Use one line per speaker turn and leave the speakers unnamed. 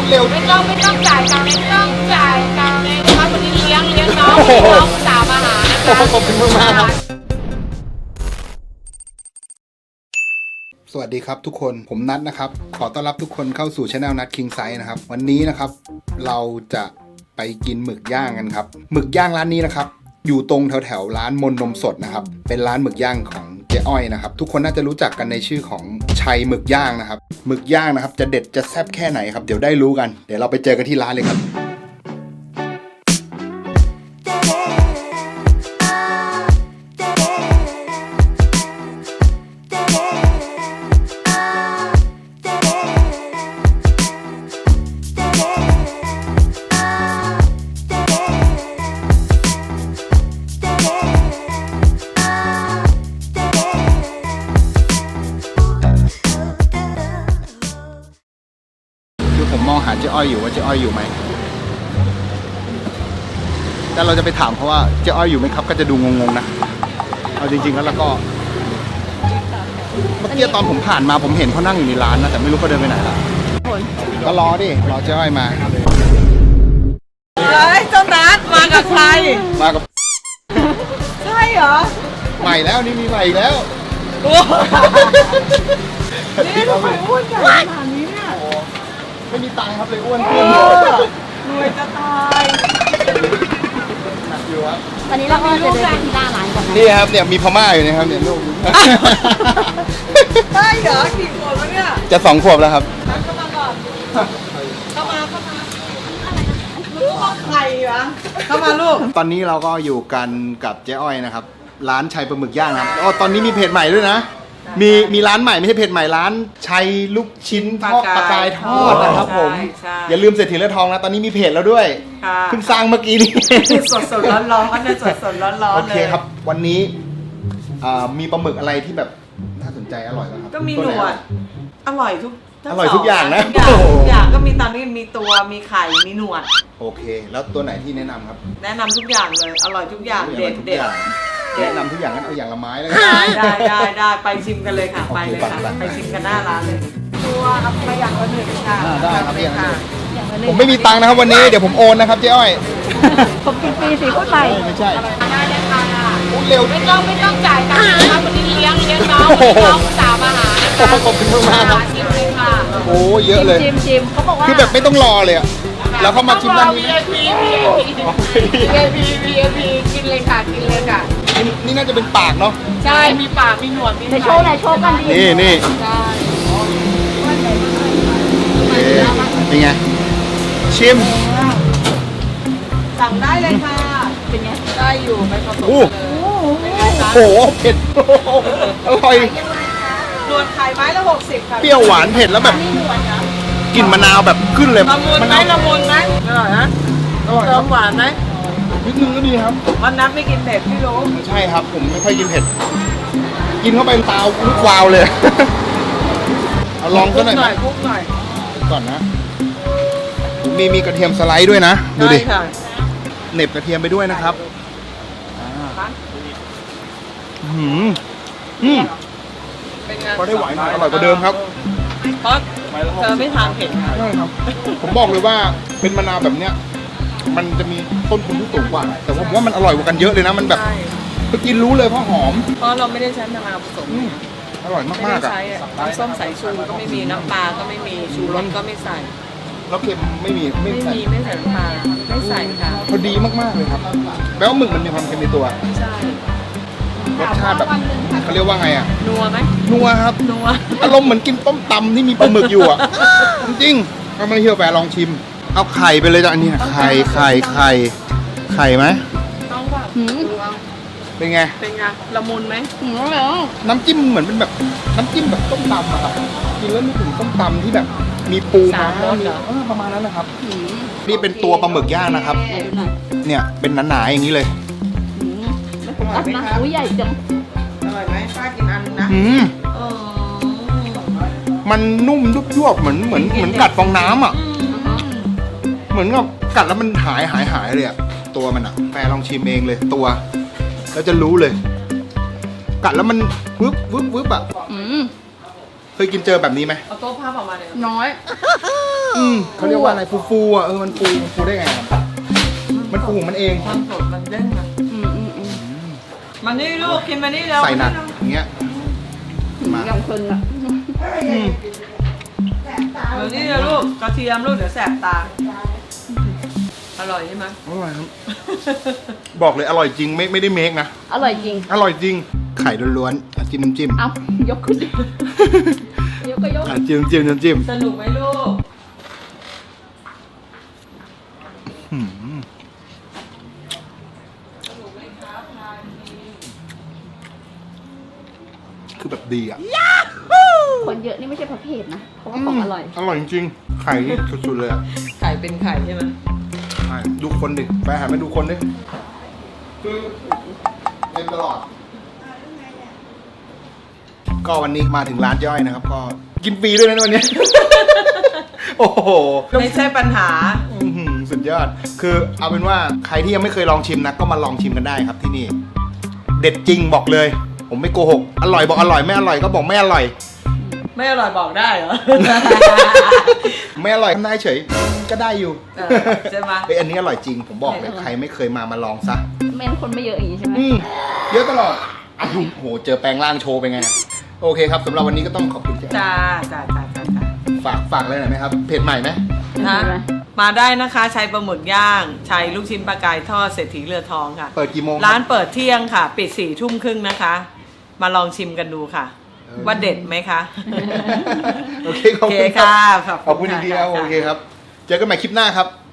เร็ว
ไม่ต้องจ่ายตังค์ไม่ต้องจ่ายตังค์เลยนะคะวันนี้เลี้ยงน้องสาวมาหานะคะ
ขอบคุณมากครับสวัสดีครับทุกคนผมนัทนะครับขอต้อนรับทุกคนเข้าสู่ช anel นัทคิงไซส์นะครับวันนี้นะครับเราจะไปกินหมึกย่างกันครับหมึกย่างร้านนี้นะครับอยู่ตรงแถวร้านมนนมสดนะครับเป็นร้านหมึกย่างของเจ๊อ้อยนะครับทุกคนน่าจะรู้จักกันในชื่อของชัยหมึกย่างนะครับหมึกย่างนะครับจะเด็ดจะแซ่บแค่ไหนครับเดี๋ยวได้รู้กันเดี๋ยวเราไปเจอกันที่ร้านเลยครับผมมองหาเจ๊อ้อยอยู่ว่าเจ๊อ้อยอยู่ไหมแต่เราจะไปถามเพราะว่าเจ๊อ้อยอยู่ไหมครับก็จะดูงงๆนะเอาจริงๆแล้วก็เมื่อกี้ตอนผมผ่านมาผมเห็นเขานั่งอยู่ในร้านนะแต่ไม่รู้เขาเดินไปไหนละก็รอดิรอเจ๊อ้อยมา
เฮ้ยเจ้านัดมากับใคร
มากับ
ใช่เหรอ
ใหม่แล้วนี่มีใหม่อีกแล้ว
นี่ทำไมอ้วนใหญ่ขนาดนี้เนี่ย
ไม่มีตังค์ครับเลยอ้วนขึ้น
รวยจะตาย
อยู่ครับ
วันนี้เราก็จะเดินไปที่หน้าร้านก่อน
นี่ครับเนี่ยมีพม่าอยู่นะครับเนี่ยลูก
ใช่เหรอกี่ขวบแล้วเนี่ย
จะ2 ขวบแล้วครับ
เข้ามาก่อนเข้ามาลูกใครวะเข้ามาลูก
ตอนนี้เราก็อยู่กันกับเจ๊อ้อยนะครับร้านชัยปลาหมึกย่างครับอ๋อตอนนี้มีเพจใหม่ด้วยนะมีร้านใหม่ไม่ใช่เพจใหม่ร้านชัยลูกชิ้นทอดปลากายทอดนะครับผมอย่าลืมเศรษฐีเลือดทองนะตอนนี้มีเพจแล้วด้วยเพิ่งสร้างเมื่อกี้นี้
สดร้อนๆก็จะสดร้อนๆ
โอเคครับวันนี้มีปลาหมึกอะไรที่แบบน่าสนใจอร่อยไหมครับ
ก็มีหนวดอร่อยทุก
อย่างนะ
ทุกอย่างก็มีตอนนี้มีตัวมีไข่มีหนวด
โอเคแล้วตัวไหนที่แนะนำครับ
แนะนำทุกอย่างเลยอร่อยทุกอย่างเด็ด
แนะนำทุกอย่างงั้นเอาอย่างละไม้แล้ว
ได้ไปชิมกันเลยค่ะไปเลยค่ะไปชิมกันหน้าร้านเลยตัวเอาไปอย่างละ1ค่ะ
ได้ครับอย่างละ1ผมไม่มีตังค์นะครับวันนี้เดี๋ยวผมโอนนะครับเจ๊อ้อย
ผมกินฟรีสิพูดไป
ไม่ใช่
ได้เลยค่ะ
เร็ว
ไม่ต้องจ่ายตังค์นะคะวันนี้เลี้ยงน้องสาวมาหานะคะ
ขอบคุณมากครับ
ชิมเลยค่ะ
โอ้เยอะเลย
ชิมเขาบอกว่า
คือแบบไม่ต้องรอเลยอะแล้วเข้ามาชิมด้านนี้
VIP กินเลยค่ะ
นี่น่าจะเป็นปากเนาะ
ใช่มีปากมีหนวดมี
โชว์กันดี
นี่
ใช่
เป็นไงชิม
สั่งได้เลยค่ะเป็นไงได้อยู่ไม่ผสมเลย
โอ้โหเผ็ดอร่อย
หนวดไข่ไม้ละ60ค่ะ
เปรี้ยวหวานเผ็ดแล้วแบบกลิ่นมะนาวแบบขึ้นเลย
ละมุนไหมอร่อยนะเติมหวานไหม
นิดนึงก็ดีครับ
วันนั้นไม่กินเผ็ดพี่รู้
ใช่ครับผมไม่ค่อยกินเผ็ดกินเข้าไปตาลุกวาวเลยเอาลองก็หน่อย
คุกหน่อย
ก่อนนะมีกระเทียมสไลด์ด้วยนะดูดิเหน็บกระเทียมไปด้วยนะครับพอได้หวานอร่อยกว่าเดิมครับ
เพราะเธอไม่ทานเผ็ด
ใช่ครับผมบอกเลยว่าเป็นมะนาวแบบเนี้ยมันจะมีต้นทุนที่สูงกว่าแต่ผมว่ามันอร่อยกว่ากันเยอะเลยนะมันแบบก็กินรู้เลยเพราะหอม
เพราะเราไม่ได้ใช้มะนาวผสม
อร่อยมากๆอ่ะ
น้ำส้มสายชูก็ไม่มีน้ำปลาก็ไม่มีชูรสก็ไม่ใส่
แล้วเค็มไม่
ใส่น้ำปลาไม่ใส่ค่ะ
พอดีมากๆเลยครับแปลว่าหมึกมันมีความเค็มในตัว
ใช่
รสชาติแบบเขาเรียกว่าไงอ่ะ
นัวไหม
นัวครับ
นัว
อารมณ์เหมือนกินต้มตำที่มีปลาหมึกอยู่อ่ะจริงๆถ้าไม่เชื่อแปลลองชิมเอาไข่ไปเลยจ้ะอันนี้ไข่ไหม
ต้องแบบ
เป็นไง
ละมุนไหม
น้ำจิ้มเหมือนเป็นแบบน้ำจิ้มแบบต้มตำอะครับกินแล้วนึกถึงต้มตำที่แบบมีปูม้าประมาณนั้นนะครับนี่เป็นตัวปลาหมึกย่างนะครับเนี่ยเป็นหนาๆอย่างนี้เลย
รับนะอุ้ยใหญ่จัง
อร่อยไหมป้ากินอันนะ
มันนุ่มยุบๆเหมือนกัดฟองน้ำอ่ะเหมือนกับกัดแล้วมันหายเลยอ่ะตัวมันอ่ะแปรลองชิมเองเลยตัวแล้วจะรู้เลยกัดแล้วมันวึบอ่ะเคยกินเจอแบบนี้ไหม
เอาโต๊ะผ้าออกมาเลย
น้อย
เขาเรียกว่าอะไรฟูๆอ่ะมันฟูได้ไงครับมันฟูของมันเอง
ความสดมันเด้งอะ
อืม
มานี่ลูกกินมานี่แล้ว
ใส่หนักอย่างเงี้ยมา
ยังคนอ่ะ
มานี่เลยลูกกระเทียมลูกเดี๋ยวแสบตาอร่อยใช่ไหม
อร่อยครับ บอกเลยอร่อยจริงไม่ได้เมคนะ
อร่อยจริง
อร่อยจริง ไข่ล้วนๆจิ้มน้ำจิ้ม
เอายกขึ้นดิยกก็ยก
จิ้มน้ำจิ้ม
สนุกไหมลูก
หืมคือแบบดีอ่ะ
คนเยอะนี่ไม่ใช่ประเภทนะเพราะว่าของอร่อย
อร่อยจริงๆไข่นี่สุดๆเลยอ่ะ
ไข่เป็นไข่ใช่ไหม
ใช่ดูคนดิไปหาไปดูคนดิคือเต็มตลอด ก็วันนี้มาถึงร้านย่อยนะครับ ก็กินฟรีด้วยนะวันนี้ โอ้โห
ไม่ใช่ปัญหา
อื้อหือสุดยอด คือเอาเป็นว่าใครที่ยังไม่เคยลองชิมนะ ก็มาลองชิมกันได้ครับที่นี่ เด็ดจริงบอกเลย ผมไม่โกหก อร่อยบอกอร่อยไม่อร่อยก็บอกไม่อร่อย
ไม่อร่อยบอกได้เหรอ
ไม่อร่อยทำได้เฉย ก็ได้อยู่
เออใช่ไหม
เฮ้ยอันนี้อร่อยจริง ผมบอกเลยใครไม่เคยมาลองซะ
แม่นคนไม่เยอะอย่างนี้ใช่ไหม
เยอะตลอดอ้าวโหเจอแปลงร่างโชว์ไปไงอะโอเคครับสำหรับวันนี้ก็ต้องขอบคุณเจ๊
จ้า
ฝากอะไรหน่อยไหมครับเพจใหม่ไหม
นะมาได้นะคะชัยปลาหมึกย่างชัยลูกชิ้นปลากายทอดเศรษฐีเรือทองค่ะ
เปิดกี่โมง
ร้านเปิดเที่ยงค่ะ ปิด4 ทุ่มครึ่งนะคะ มาลองชิมกันดูค่ะ ว่าเด็ดไหมคะ
โอเคขอบคุณ
ค่ะ
ขอบคุณจริงๆครับโอเคครับ เจอกันใหม่คลิปหน้าครับ